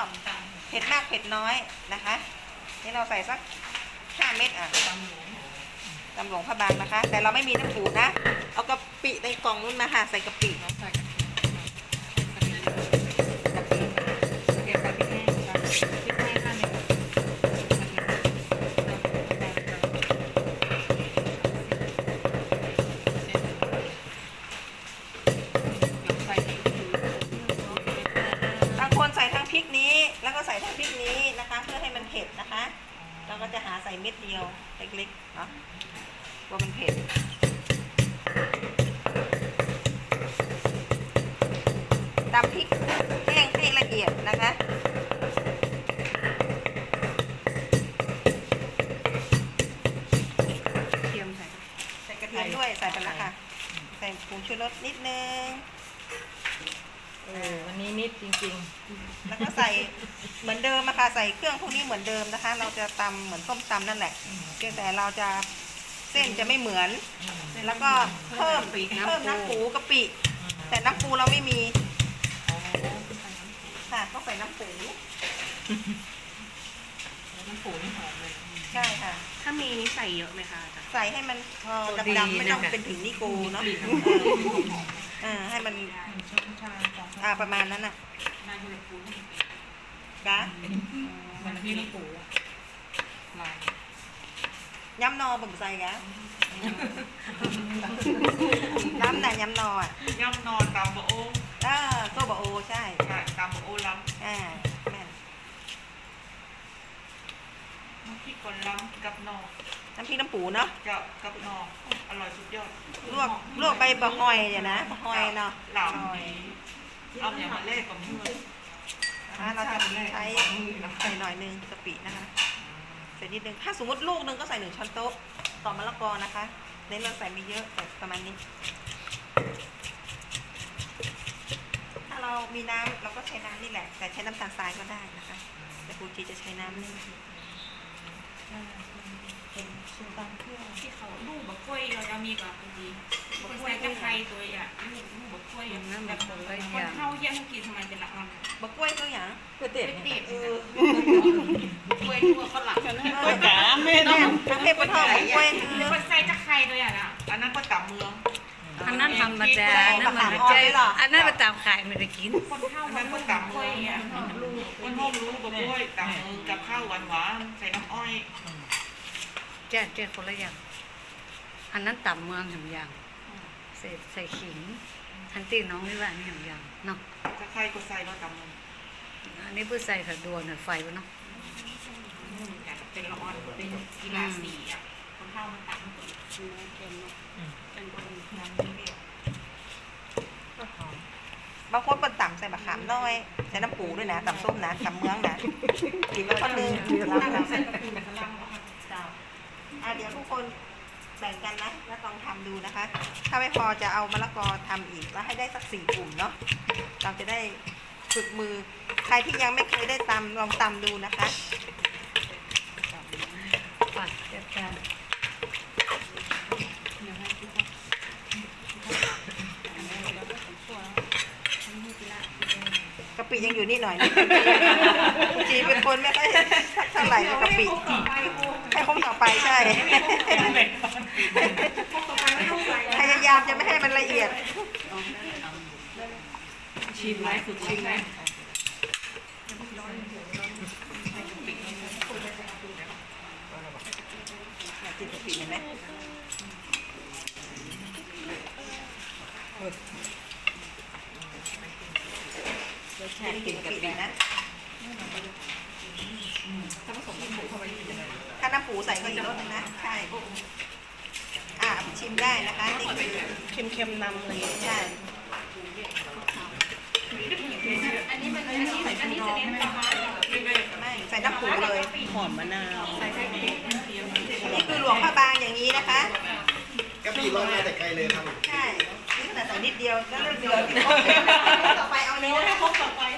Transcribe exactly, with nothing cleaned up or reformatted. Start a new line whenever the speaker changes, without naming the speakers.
อบเผ็ดมากเผ็ดน้อยนะคะนี่เราใส่สักห้าเม็ดอ่ะตำหลวงพระบางนะคะแต่เราไม่มีน้ำปูนะเอากะปิในกล่องนู้นมาค่ะใส่กะปิใส่ทั้งพริกนี้แล้วก็ใส่ทั้งพริกนี้นะคะเพื่อให้มันเผ็ดนะคะเราก็จะหาใส่เม็ดเดียวเล็กๆเนาะกลัวมันเผ็ดตำพริกแห้งให้ละเอียดนะคะเทียมใส่ใส่กระเทียมด้วยใส่ไปแล้วค่ะใส่ผงชูรสนิดนึง
เออวันนี้นิดจริงๆ
แล้วก็ใส่เหมือนเดิมนะคะใส่เครื่องพวกนี้เหมือนเดิมนะคะเราจะตำเหมือนส้มตำนั่นแหละเพียงแต่เราจะเส้นจะไม่เหมือนแล้วก็เพิ่มเพิ่มน้ำปูกะปิแต่น้ำปูเราไม่มีค่ะต้องใส่น้ำปู
น้ำปูนี่หอมเลย
ใช่ค่ะ
ถ้ามีนี่ใส่เยอะไหมคะ
ใส่ให้มันพอดำๆไม่ต้องเป็นถึงนิโก้เนาะอ่าให้มันอ่าประมาณนั้นน่ะกะ
มันที่น้ำปู
ย้ำนอบ่มใส่กะน้ำน่ะย้ำนออ่ะ
ย่ำนอตำบะโอ
อ่าโซบะโอใช่
ตำบะโอล้ำ
อ่าแม่น
น้ำพริกคนล้ำกับนอ
น้ำพริกน้ำปูเนาะ
เจ้ากับนออร่อยสุดยอด
ลวกลวกใบบะฮอยเนี่ยนะบะฮอยเนาะ
หล่ำเอาอย่างมาเล่กับมือ
เราจะใช้ใส่หน่อยนึงกะปินะคะใส่นิดนึงถ้าสมมติลูกนึงก็ใส่หนึ่งช้อนโต๊ะต่อมะละกอนะคะเน้นเราใส่ไม่เยอะแต่ประมาณนี้ถ้าเรามีน้ำเราก็ใช้น้ำนี่แหละแต่ใช้น้ำตาลทรายก็ได้นะคะแต่ครูจีจะใช้น้ำนี่เป็นสูตรตามเครื่อง
ที่เขาลูกบะกล้วยเราจะมีกับครูจีบะกล้วยกับไข่ตัวอ่ะลูกลูกบะกล้วยอย่างนั้นแบบคนเท่าเยี่ยมกินทำไมเป็นหลักมัน
บะกล้วยก็อย่าง
ก๋วยเตี๋ยว
เออกล้วยทั่วฝรั่ง
กล้วยกาไม่
เนาะทั้งเทพทองกล้วย
คนใส่จะไข่ตัวอ่ะนะอันนั้นก็ตับเมือง
อันนั้นธรรมดาอันนั้นมันใจอันนั้นมาตามขายไม่ได้กิน
คนเท่ามันก็ตับกล้วยอ่ะลูกคนห้องรู้บะกล้วยตับเมืองกับข้าวหวานหวานใส่น้ำอ้อย
แจ้แจ้คนละอย่างอันนั้นตับเมืองอย่างอย่างใส่ใส่ขิงอันตีน้องนี่ว่านี่อย่างอย่างเนาะ
จะไข่ก็ใส่แล้วตับเมือง
อันนี้เพื่อใส่ผัดดวนไฟวะเนาะ
เป็นละอ่อนเป็นกีฬาสีอ่ะคนเท่ามันตับมันคือเค็มเนาะเป็นคนน้ำเปรี้ยว
บางคนเป็นต่ำใส่มะขามน้อยใส่น้ำปูด้วยนะต่ำส้มนะต่ำเมืองนะกินมาคนนึงแล้วใส่กะปิแบบฝรั่งอ่ะเดี๋ยวทุกคนแบ่งกันนะแล้วลองทำดูนะคะถ้าไม่พอจะเอามะละกอทำอีกแล้วให้ได้สักสี่กลุ่มเนาะเราจะได้ฝึกมือใครที่ยังไม่เคยได้ตำลองตำดูนะคะ
ปัดเก็บกัน
กะปิยังอยู่นี่หน่อยนะจีเป็นคนไม่ค่อยเท่าไหร่กับกะปิให้คงต่อไปใช่พยายามจะไม่ให้มันละเอียด
ชิมไหมสุดชิมไหม
จิตกะปิเห็นไหมรสชาติกลิ่นกะปินะถ้าผสมน้ำปูเข้าไปถ้าน้ำปูใส่ก็อีกรสนึงนะใช่อ่ะชิมได้นะคะนี่คือเค็มๆนำเลยใช่
อันนี้มันอันนี้อันนี้จะเน้นประมาณ
ไม่ใส่น้ำปูเลย
หอมมะนาว
ใส่ใส่พริก
นี่คือหลวงพระบางอย่างนี้นะคะ
กะปิร้อนมาแต่ไกลเลยครับ
ใช่นี่ขนาดใส่นิดเดียวก็เริ่มเหลือต่อไปเอาเนื้อให้ครบต่อไป